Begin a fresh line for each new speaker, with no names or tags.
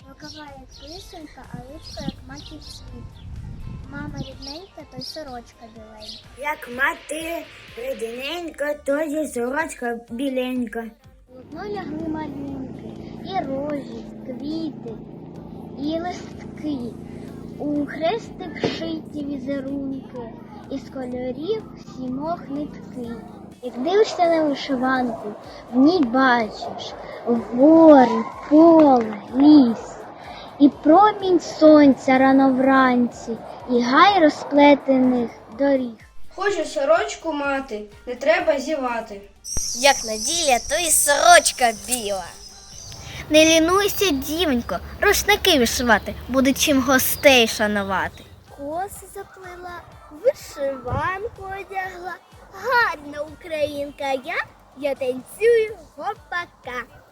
Рукава як писанка, а личко як маків цвіт. Мама рідненька, то й сорочка біленька.
Як мати рідненька, то й сорочка біленька.
Одно лягли малюнки, і рожі, квіти, і листки. У хрестик шиті візерунки, із кольорів сімох нитки. Як дивишся на вишиванку, в ній бачиш гори, поле, ліс, і промінь сонця рано вранці, і гай розплетених доріг.
Хочу сорочку мати, не треба зівати.
Як неділя, то і сорочка біла. Не лінуйся, дівонько, рушники вишивати, буде чим гостей шанувати.
Коси заплила, вишиванку одягла. Гарна українка я танцюю гопака.